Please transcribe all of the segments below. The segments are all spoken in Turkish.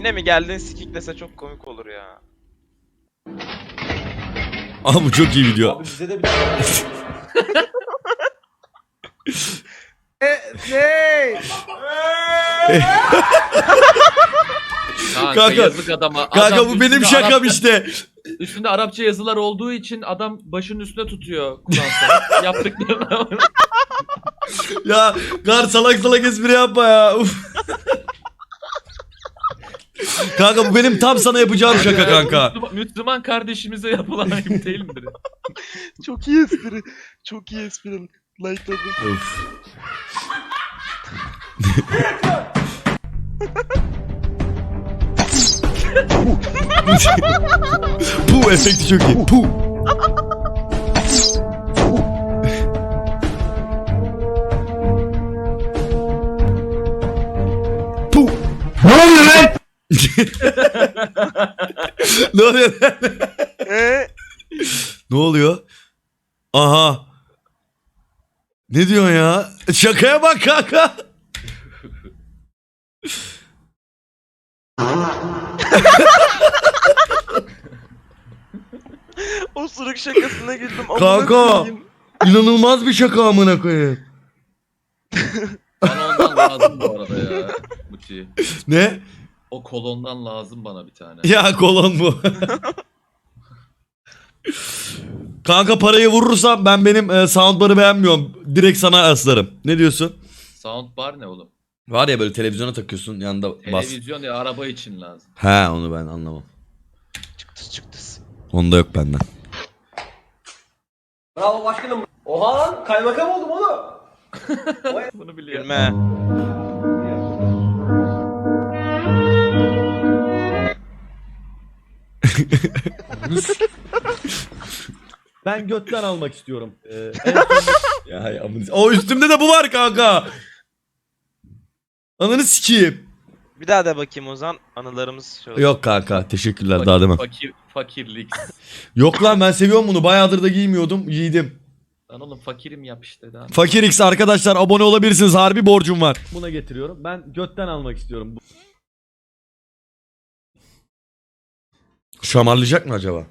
Yine mi geldin sikiklese çok komik olur ya. Aa bu çok iyi video. Abi bize de bir Kanka yazık adama. Kanka Adam bu benim üstünde şakam Arapça, işte. Üstünde Arapça yazılar olduğu için adam başının üstüne tutuyor Kur'an'sa. Yaptıklarına. Ya Gar salak salak espri yapma ya. Uf. Kanka bu benim tam sana yapacağım şaka kanka. Müslüman kardeşimize yapılan ayıp değil midir? Çok iyi espri. Çok iyi espri. Like'ladım. Of. Bu efekti çok iyi. Puh. Puh. Ne oluyor lan? Ne oluyor lan? Ne oluyor? Aha. Ne diyorsun ya? Şakaya bak kanka. O sırık şakasına güldüm. Amına Kanka. koyayım. İnanılmaz bir şaka amına koyayım. Bana ondan lazım bu arada ya. Muti. Ne? O kolondan lazım bana bir tane. Ya kolon bu. Kanka parayı vurursam ben benim soundbar'ı beğenmiyorum. Direkt sana aslarım. Ne diyorsun? Soundbar ne oğlum? Var ya böyle televizyona takıyorsun yanında bas. Televizyon ya araba için lazım. He onu ben anlamam. Çıktı. Onda yok benden. Bravo başkanım. Oha lan kaymakam oldum oğlum. Bunu biliyorum. Gülme. Ben götten almak istiyorum. Ya o üstümde de bu var kanka. Ananı sikeyim. Bir daha da bakayım o zaman. Anılarımız şöyle. Yok kanka teşekkürler daha demem. Fakirlik. Yok lan ben seviyorum bunu. Bayağıdır da giymiyordum. Giydim. Lan oğlum fakirim yap işte daha. Fakir X arkadaşlar abone olabilirsiniz. Harbi borcum var. Buna getiriyorum. Ben götten almak istiyorum. Şamarlayacak mı acaba?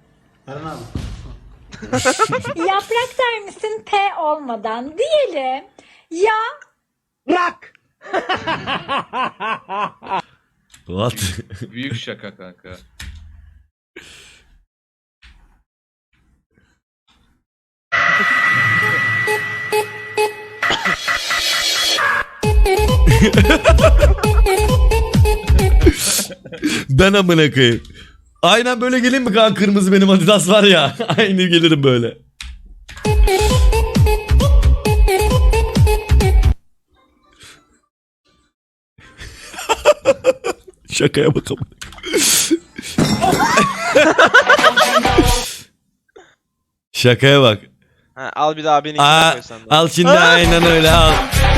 Yaprak der misin P olmadan? Diyelim. Ya What? Büyük şaka kanka. Ben amına koyayım. Aynen böyle gelin mi kanka, kırmızı benim Adidas var ya. Aynı gelirim böyle. Şakaya bak amına. Şakaya bak. Ha, al bir daha beni Aa, koy sen de. al şimdi aynen öyle al.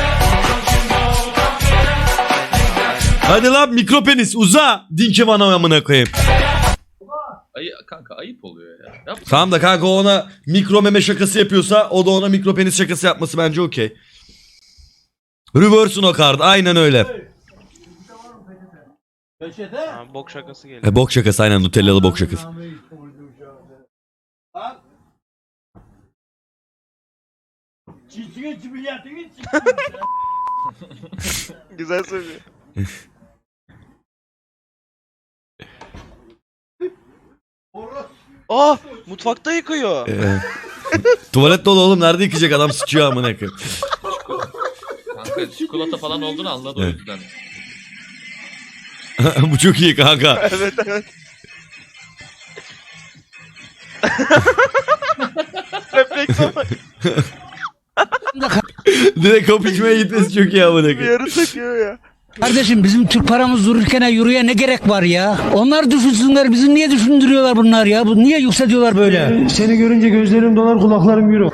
Hadi lan mikropenis uza. Dinki bana amına koyayım. Kanka ayıp oluyor ya. Yap. Tamam da kanka o ona mikro meme şakası yapıyorsa o da ona mikropenis şakası yapması bence okey. Reverse no card aynen öyle. Ha, bok şakası geliyor. Bok şakası aynen, Nutellalı bok şakası. Güzel söylüyor. Ah, mutfakta yıkıyor. Tuvalet dolu oğlum, nerede yıkayacak adam, sıçıyor amına koyayım. Kanka çikolata falan olduğunu anladı o Evet. yüzden. Bu çok iyi kanka. Evet. Refleks ama Direkt kapı içmeye gitmesi çok iyi amına bir koyayım. yarı takıyor ya. Kardeşim bizim Türk paramız dururken yürüye ne gerek var ya? Onlar düşünsünler, bizi niye düşündürüyorlar bunlar ya? Bu niye yükseliyorlar böyle? Seni görünce gözlerim dolar, kulaklarım yürür.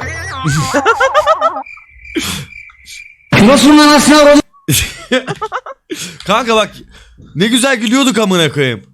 Şurasından aslında Kanka bak ne güzel gülüyorduk amına koyayım.